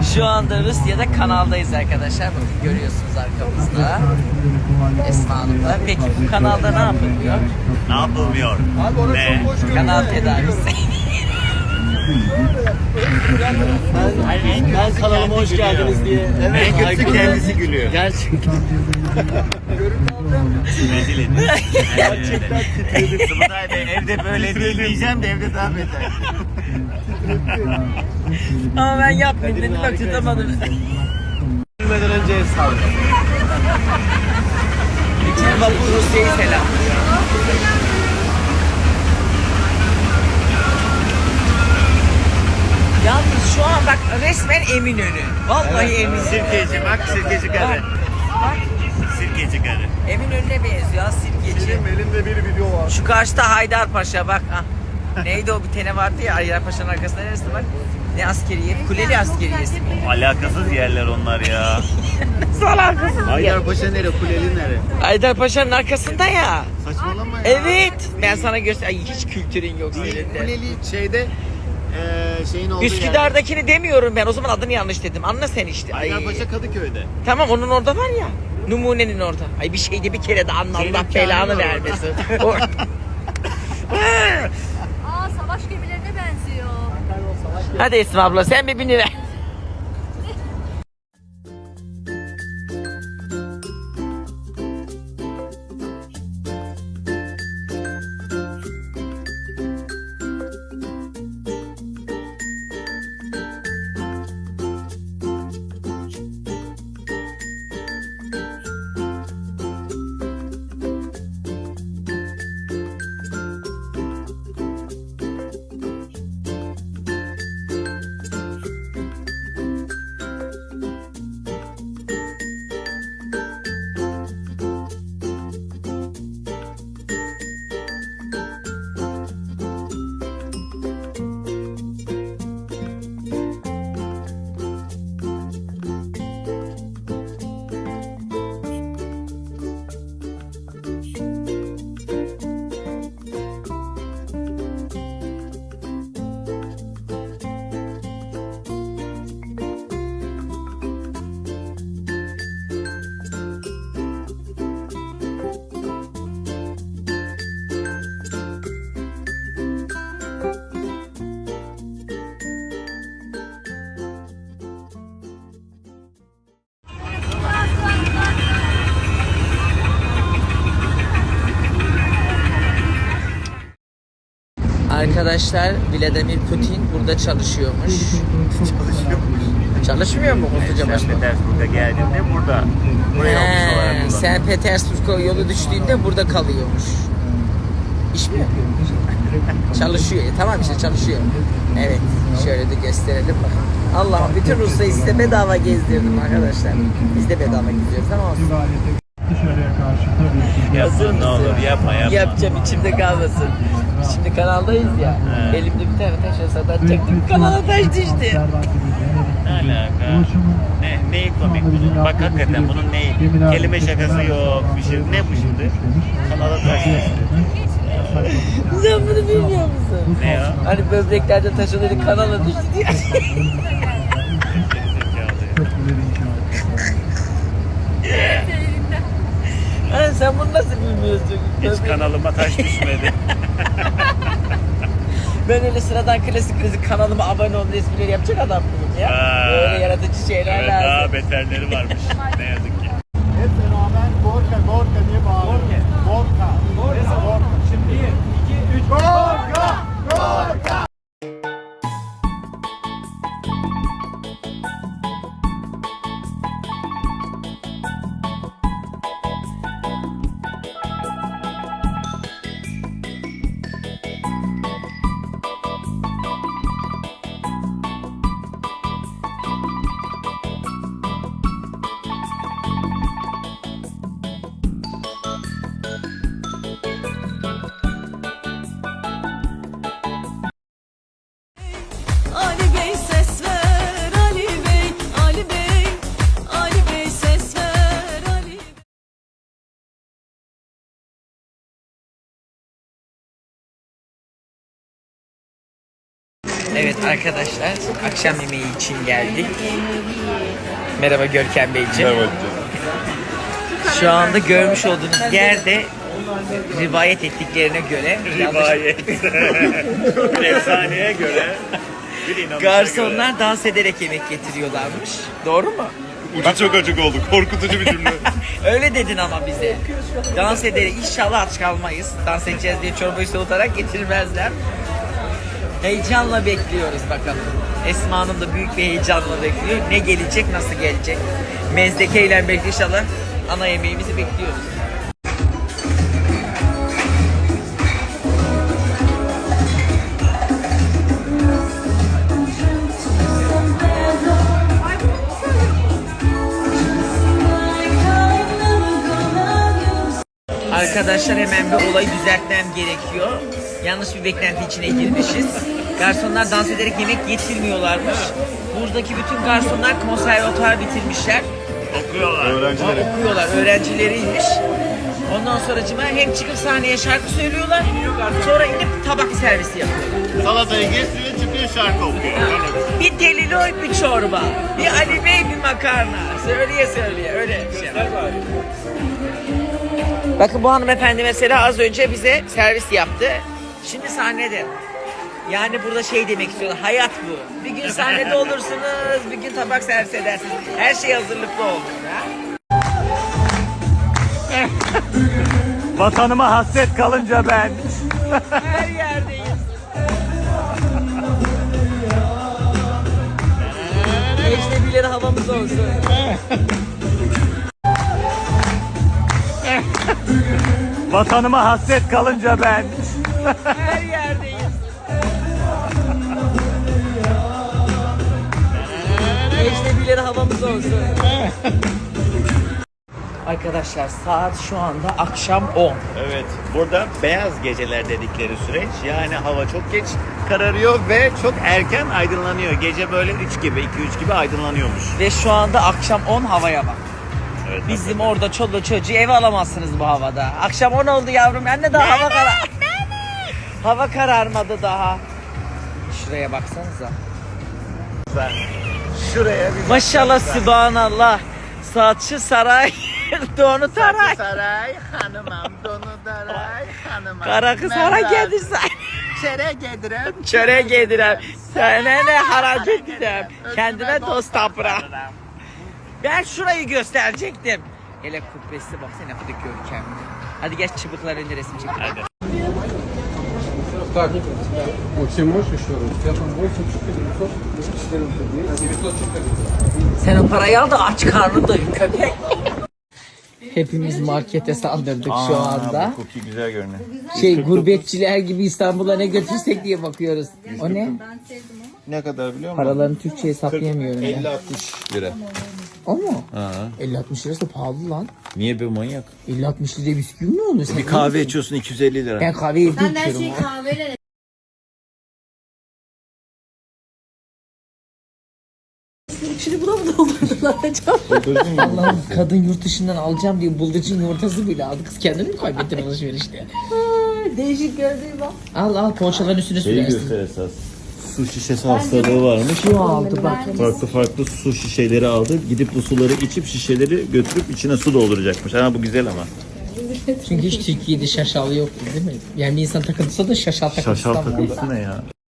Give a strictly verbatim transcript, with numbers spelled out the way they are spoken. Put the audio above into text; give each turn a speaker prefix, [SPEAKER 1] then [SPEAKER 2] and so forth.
[SPEAKER 1] Şu anda Rusya'da kanaldayız arkadaşlar. Bakın görüyorsunuz arkamızda. Esma Hanım'la. Peki bu kanalda ne yapılıyor?
[SPEAKER 2] Ne yapılmıyor? Ne?
[SPEAKER 1] Kanal tedavisi.
[SPEAKER 3] Ben, ben kanalıma hoş geldiniz diye.
[SPEAKER 2] En kötüsü kendisi gülüyor.
[SPEAKER 3] Gerçekten.
[SPEAKER 2] Rezil ediyor. Gerçekten titredim. Sıvıday Bey evde böyle değil diyeceğim de evde daha beter.
[SPEAKER 1] Ama ben yapmayayım dedim bak tutamadım.
[SPEAKER 3] Bilmeden önce el saldım.
[SPEAKER 1] Bütün vapur Rusya'yı selamlıyor. Yalnız şu an bak resmen Eminönü. Vallahi Eminönü.
[SPEAKER 2] Sirkeci bak sirkeci karı.
[SPEAKER 1] Bak
[SPEAKER 2] Sirkeci karı.
[SPEAKER 1] Eminönü'ne benziyor ha sirkeci.
[SPEAKER 3] Elimde bir video var.
[SPEAKER 1] Şu karşıda Haydarpaşa bak. Ha. Neydi o bir tane vardı ya Haydarpaşa'nın arkasında neresi bak. Ne askeriye? Kuleli askeriyesi mi?
[SPEAKER 2] Alakasız yerler onlar ya.
[SPEAKER 1] Nasıl alakasız?
[SPEAKER 2] Haydarpaşa nere? Kuleli nere?
[SPEAKER 1] Haydarpaşa'nın arkasında ya.
[SPEAKER 2] Saçmalama ya.
[SPEAKER 1] Evet. Ben sana göster. Ay, hiç kültürün yok
[SPEAKER 2] Değil,
[SPEAKER 1] senin de.
[SPEAKER 2] Kuleli şeyde eee şeyin olduğu
[SPEAKER 1] Üsküdar'dakini demiyorum ben. O zaman adını yanlış dedim. Anla sen işte. Ay.
[SPEAKER 2] Haydarpaşa Kadıköy'de.
[SPEAKER 1] Tamam onun orada var ya. Numunenin orada. Ay bir şeyde bir kere de anla
[SPEAKER 2] Senin
[SPEAKER 1] Allah
[SPEAKER 2] hikayen
[SPEAKER 1] belanı
[SPEAKER 2] var
[SPEAKER 1] vermesin.
[SPEAKER 4] Aa, savaş gemilerine benziyor.
[SPEAKER 1] Hadi Esma abla sen bir biniver. Arkadaşlar Vladimir Putin burada çalışıyormuş.
[SPEAKER 2] Çalışıyormuş.
[SPEAKER 1] Çalışmıyor mu Kutuca
[SPEAKER 2] Sen
[SPEAKER 1] Başkanı?
[SPEAKER 2] Petersburg'a geldiğinde burada. Buraya ofis olarak
[SPEAKER 1] He,
[SPEAKER 2] kullanıyor.
[SPEAKER 1] Sen Petersburg'a yolu düştüğünde burada kalıyormuş. İş mi yapıyor? Çalışıyor. E, tamam işte çalışıyor. Evet. Şöyle de gösterelim bak. Allah'ım bütün Rusya'yı size bedava gezdirdim arkadaşlar. Biz de bedava geziyoruz ama olsun.
[SPEAKER 5] Dışarıya karşı tabii ki.
[SPEAKER 1] Hazır
[SPEAKER 2] Yapma ne
[SPEAKER 1] mısın?
[SPEAKER 2] olur yapma yapma.
[SPEAKER 1] Yapacağım içimde kalmasın. Şimdi kanaldayız ya.
[SPEAKER 2] He.
[SPEAKER 1] Elimde bir tane taş olsa da çektim. Kanala taş düştü.
[SPEAKER 2] Ne alaka? Ne, neyi komik bunun? Bak hakikaten bunun neyi? Kelime şakası yok bir şey. Ne bu şimdi? Kanala taş düştü.
[SPEAKER 1] Sen bunu bilmiyor musun?
[SPEAKER 2] Ne ya?
[SPEAKER 1] Hani böbreklerde taşıları kanala düştü diye. Hani sen bunu nasıl bilmiyorsun?
[SPEAKER 2] Hiç
[SPEAKER 1] Böbrek-
[SPEAKER 2] kanalıma taş düşmedi.
[SPEAKER 1] Ben öyle sıradan klasik klasik kanalıma abone ol esprileri yapacak adam mıyım ya?
[SPEAKER 2] Ha.
[SPEAKER 1] Böyle yaratıcı şeyler
[SPEAKER 2] Evet,
[SPEAKER 1] lazım.
[SPEAKER 2] daha beterleri varmış. Ne yazık ki.
[SPEAKER 3] Hep beraber Gorka, Gorka diye bağırıyor. Gorka. Neyse Gorka. Şimdi bir, iki, üç. Gorka! Gorka!
[SPEAKER 1] Evet arkadaşlar, akşam yemeği için geldik. Merhaba Görkem Beyciğim.
[SPEAKER 6] Evet.
[SPEAKER 1] Şu anda görmüş olduğunuz yerde rivayet ettiklerine göre
[SPEAKER 2] Rivayet. Bir efsaneye göre. Bir inanışa göre.
[SPEAKER 1] garsonlar dans ederek yemek getiriyorlarmış. Doğru mu?
[SPEAKER 6] Ucu çok açık oldu. Korkutucu bir cümle.
[SPEAKER 1] Öyle dedin ama bize. Dans ederek inşallah aç kalmayız. Dans edeceğiz diye çorbayı soğutarak getirmezler. Heyecanla bekliyoruz bakalım. Esma Hanım da büyük bir heyecanla bekliyor. Ne gelecek, nasıl gelecek? Mezdekeyle bekliyor inşallah. Ana yemeğimizi bekliyoruz. Arkadaşlar hemen bir olayı düzeltmem gerekiyor. Yanlış bir beklenti içine girmişiz. Garsonlar dans ederek yemek getirmiyorlarmış. Buradaki bütün garsonlar konservatuar bitirmişler.
[SPEAKER 2] Okuyorlar.
[SPEAKER 6] Öğrencileri.
[SPEAKER 1] Okuyorlar, öğrencileriymiş. Ondan sonra hem çıkıp sahneye şarkı söylüyorlar, sonra inip tabak servisi yapıyorlar.
[SPEAKER 2] Salatayı kesiyor, çıkıyor şarkı okuyor.
[SPEAKER 1] Bir deliloy, bir çorba, bir Ali Bey, bir makarna. Söyleye söyleye, öyle şey. Bakın bu hanımefendi mesela az önce bize servis yaptı. Şimdi sahnede. Yani burada şey demek istiyorlar, hayat bu. Bir gün sahnede olursunuz, bir gün tabak servis edersiniz. Her şey hazırlıklı oldu. Ha?
[SPEAKER 2] Vatanıma hasret kalınca ben.
[SPEAKER 1] Her yerdeyiz. Ecnebileri havamız olsun.
[SPEAKER 2] Vatanıma hasret kalınca ben.
[SPEAKER 1] Her yerdeyiz. Ecnebileri havamız olsun. Arkadaşlar saat şu anda akşam on.
[SPEAKER 2] Evet, burada beyaz geceler dedikleri süreç. Yani hava çok geç kararıyor ve çok erken aydınlanıyor. Gece böyle üç gibi, iki üç gibi aydınlanıyormuş.
[SPEAKER 1] Ve şu anda akşam on, havaya bak.
[SPEAKER 2] Evet,
[SPEAKER 1] Bizim orada çoluğu çocuğu eve alamazsınız bu havada. Akşam on oldu yavrum, anne daha hava karar. Hava kararmadı daha. Şuraya baksanıza.
[SPEAKER 2] Sen şuraya bir
[SPEAKER 1] Maşallah sübhanallah. Saçı saray, donu taray.
[SPEAKER 2] Saray hanımam, donu daray hanımam.
[SPEAKER 1] Kara kız hara gelirsen.
[SPEAKER 2] Çere gedirem.
[SPEAKER 1] Çöre gedirem. Sana ne harac edirem. Kendime dost tapıram. Ben şurayı gösterecektim. Hele kubbesi baksana, hadi görkemli. Hadi geç çıbıklar önce resim çekelim.
[SPEAKER 2] Hadi.
[SPEAKER 7] Так, очень мощь еще раз. Я там восемь девятьсот четырнадцать, девятьсот четырнадцать.
[SPEAKER 1] Sen o parayı al da aç karnını doyur köpek. Hepimiz markete saldırdık şu anda.
[SPEAKER 2] Cookie güzel görünüyor.
[SPEAKER 1] Şey gurbetçiler gibi İstanbul'a ne götürsek diye bakıyoruz. O ne?
[SPEAKER 6] Ne kadar biliyor musun?
[SPEAKER 1] Paralarını Türkçe hesaplayamıyorum ya.
[SPEAKER 6] elli altmış lira.
[SPEAKER 1] O mu?
[SPEAKER 6] Ha.
[SPEAKER 1] elli altmış lirası da pahalı lan.
[SPEAKER 6] Niye be manyak?
[SPEAKER 1] elli altmış liraya bisküvi mi olur? Sen
[SPEAKER 6] Bir kahve içiyorsun iki yüz elli lira.
[SPEAKER 1] Ben kahve evde
[SPEAKER 4] Ben her
[SPEAKER 1] içiyorum.
[SPEAKER 4] şeyi
[SPEAKER 1] ha.
[SPEAKER 4] kahveyle İçini buna mı doldurdular acaba?
[SPEAKER 1] Allah'ım, kadın yurt dışından alacağım diye bıldırcın yumurtası bile aldı. Kız kendini mi kaybettin alışverişte?
[SPEAKER 4] Değişik gördüğüm bak.
[SPEAKER 1] Al al, poğaçaların üstüne
[SPEAKER 6] Şeyi
[SPEAKER 1] sürersin.
[SPEAKER 6] göster esas. Su şişesi hastalığı varmış.
[SPEAKER 1] Şu aldı bak.
[SPEAKER 6] Farklı farklı su şişeleri aldı. Gidip bu suları içip şişeleri götürüp içine su dolduracakmış. Ha bu güzel ama.
[SPEAKER 1] Çünkü hiç Türkiye'de şaşal yoktu değil mi? Yani bir insan takıntısı da şaşal takıntısı
[SPEAKER 6] Şaşal
[SPEAKER 1] da var.
[SPEAKER 6] takıntısı ne ya?